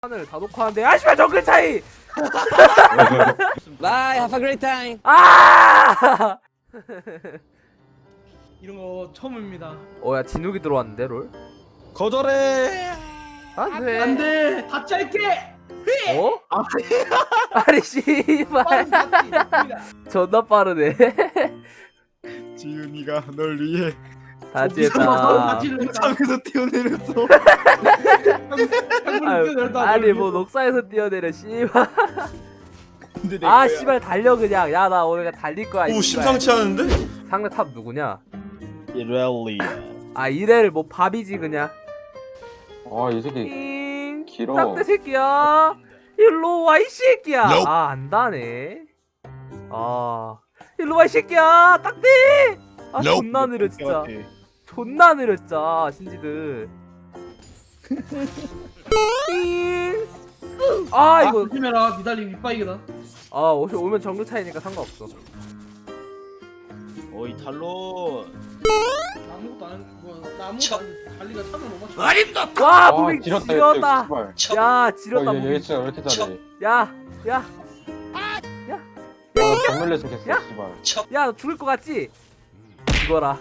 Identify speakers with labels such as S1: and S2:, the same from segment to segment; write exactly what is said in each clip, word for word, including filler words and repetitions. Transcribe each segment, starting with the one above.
S1: 판을 다 녹화하는데 아 씨발 정글 차이.
S2: Bye, have a great time.
S1: 아!
S3: 이런 거 처음입니다.
S1: 어야 진욱이 들어왔는데 롤?
S4: 거절해.
S1: 안돼.
S3: 안돼, 다 짧게.
S1: 어? 아니 씨발 존나 빠르네.
S4: 지윤이가 널 위해
S1: 다지했다.
S4: 창에서 뛰어내렸어.
S1: 아니 뭐 녹사에서 뛰어내려 씨발.
S4: 근데 내
S1: 아
S4: 거야.
S1: 씨발 달려 그냥. 야 나 오늘 그냥 달릴 거야.
S4: 오
S1: 씨발.
S4: 심상치 않은데?
S1: 상대 탑 누구냐?
S4: 이렐리.
S1: 아 이래를 뭐 밥이지 그냥.
S5: 아, 이 새끼
S1: 잉.
S5: 길어.
S1: 딱대 새끼야. 일로 와 이 새끼야.
S4: Nope.
S1: 아 안다네. 아 일로 와 이 새끼야. 딱대. 아
S4: Nope.
S1: 존나 느려 진짜. 존나 느려 진짜 신지들. 잉. 아
S3: 아
S1: 이거
S3: 조심해라, 니달리 윗바이게다.
S1: 아 어차피 오면 정글 차이니까 상관없어.
S4: 어이 탈론.
S3: 나 아무것도 안 했. 뭐나 아무것도 안 했. 달리가 차를 못 맞춰.
S1: 와
S5: 아,
S1: 무빙
S5: 지렸다,
S1: 지렸다.
S5: 씨발.
S1: 야 지렸다
S5: 어, 얘, 얘
S1: 무빙.
S5: 진짜 왜 이렇게 잘해?
S1: 야 야.
S5: 아, 정밀레 속했어,
S1: 야?
S5: 씨발.
S1: 야 너 죽을 것 같지? 죽어라.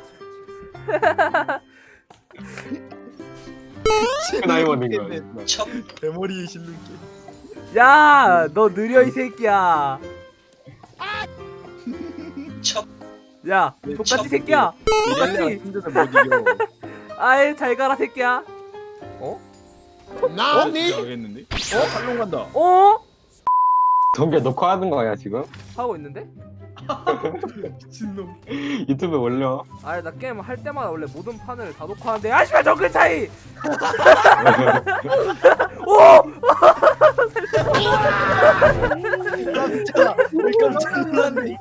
S5: 나이 먹는 거야.
S4: 대머리에 실눈길.
S1: 야 너 느려 이 새끼야. 야 똑같이 새끼야.
S4: 이렐리가
S1: 똑같이.
S4: 힘들면 못 이겨.
S1: 아이 잘 가라 새끼야.
S4: 나니? 알겠는데? 어? 탈론 간다.
S1: 어?
S5: 동계 녹화하는 거야, 지금?
S1: 하고 있는데?
S3: 미친놈.
S5: 유튜브에 올려.
S1: 아니 나 게임 할 때마다 원래 모든 판을 다 녹화하는데 아 씨발 정글 차이. 오!
S4: 깜짝아. 깜짝 놀랐네.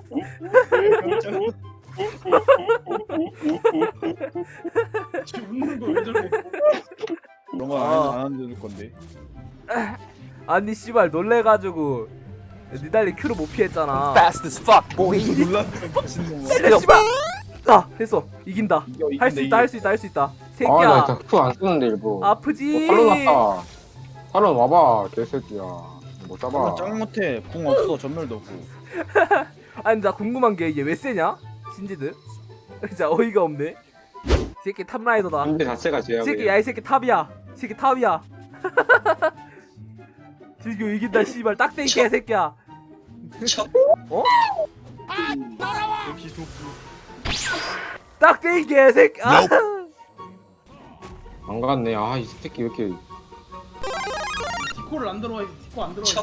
S3: 지금 웃는 거 왜 저래?
S4: 그런 거
S1: 아.
S4: 안 안줄 건데.
S1: 아니 씨발 놀래가지고 니달리 큐를 못 피했잖아.
S4: 놀랐어 미친놈아.
S1: 때려 씨발. 아 됐어 이긴다.
S4: 이겨, 이긴다,
S1: 할 수 있다
S4: 이겨.
S1: 할 수 있다 할 수 있다.
S5: 아, 나
S1: 새끼야
S5: 진짜 큐안 쓰는데, 일부러.
S1: 아프지.
S5: 어, 탈론 왔다. 탈론 와봐, 개새끼야. 못 잡아.
S4: 탈론 짱 못해. 궁 없어. 전멸도 없고.
S1: 아니 나 궁금한 게 얘 왜 세냐? 신지들. 진짜 어이가 없네. 이 새끼 탑라이더다.
S5: 문제 자체가
S1: 이
S5: 제약이야.
S1: 새끼 야 이 새끼 탑이야. 이 새끼 탑이야. 즐겨 이긴다 씨발 딱대 이 개새끼야. 어?
S4: 역시 좋고.
S1: 딱대 이 개새끼. 아.
S5: 안 갔네. 아, 이 새끼 왜 이렇게.
S3: 디코를 안 들어와. 디코 안 들어와.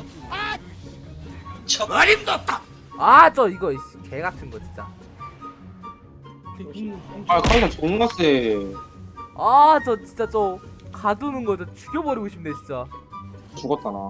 S1: 아 저 이거 개 같은 거 진짜.
S5: 아, 카운터 존나 세.
S1: 아 저 진짜 저 가두는 거 저 죽여버리고 싶네 진짜.
S5: 죽었다, 나.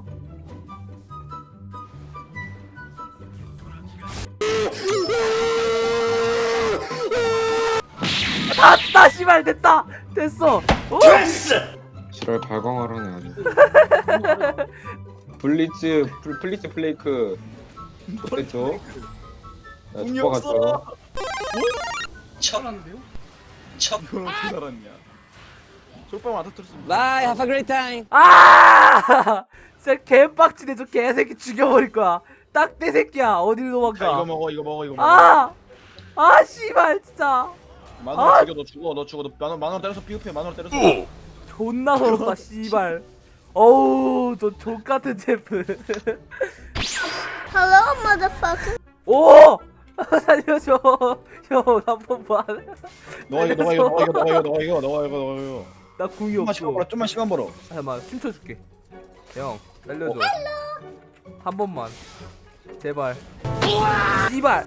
S1: 됐다 씨발 됐다 됐어. 어?
S5: 지랄 발광을 하네, 아주. 블리츠, 플, 플리츠 플레이크. 좋겠죠? 야,
S4: 궁이
S5: 죽어갔죠.
S3: 잘하는데요?
S4: 이걸 어떻게 알았냐? 쫄빵 안 터뜨렸으면.
S2: Bye, have a great time.
S1: 아 진짜 개빡치네 저 개새끼 죽여버릴 거야. 딱대 새끼야 어딜
S4: 야, 이거
S1: 도망가.
S4: 먹어. 이거 먹어. 이거 먹어.
S1: 아! 아 씨발 진짜
S4: 만원
S1: 아!
S4: 죽여. 너 죽어. 너 죽어. 너 만원 만원 때려서 비흡해. 만원 때려서.
S1: 존나 서럽다 씨발. 어우 저 족같은 제프.
S6: Hello, motherfucker.
S1: 오! 살려줘. 형 한번 봐.
S4: 너가 이거 너가 이거 너가 이거 너가 이거 너가 이거 너가 이거 너가 이거.
S1: 나 궁이
S4: 좀만 시간 벌어.
S1: 없어.
S4: 좀만 시간 벌어.
S1: 잠깐만 춤춰줄게. 형 살려줘. 한 번만. 제발. 씨발.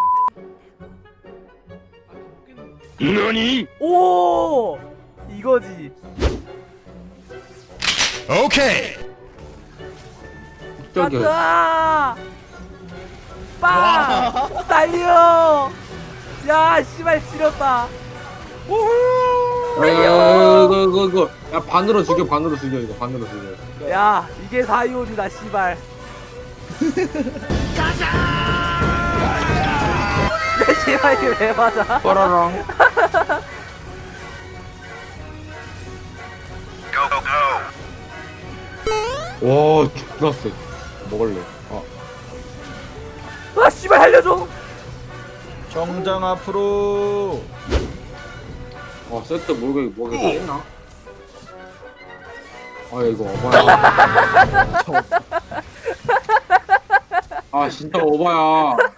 S4: 너니?
S1: 오! 이거지.
S4: 오케이.
S5: 저기요.
S1: 가자! 빵! 달려! 야, 씨발 지렸다.
S5: 야, 야, 야, 이거, 이거, 이거. 야, 반으로 죽여, 반으로 죽여, 이거. 반으로 죽여.
S1: 야, 이게 사이온이다, 씨발. 가자! 야, 씨발 이게 왜 맞아?
S5: 빠라랑.
S7: Go, go, go.
S5: 와 존나 세. 먹을래. 아
S1: 아 씨발 살려줘.
S4: 정장 앞으로.
S5: 아 세트 모르게 뭐게 있나? 아 이거 오바야. 아 진짜 오바야.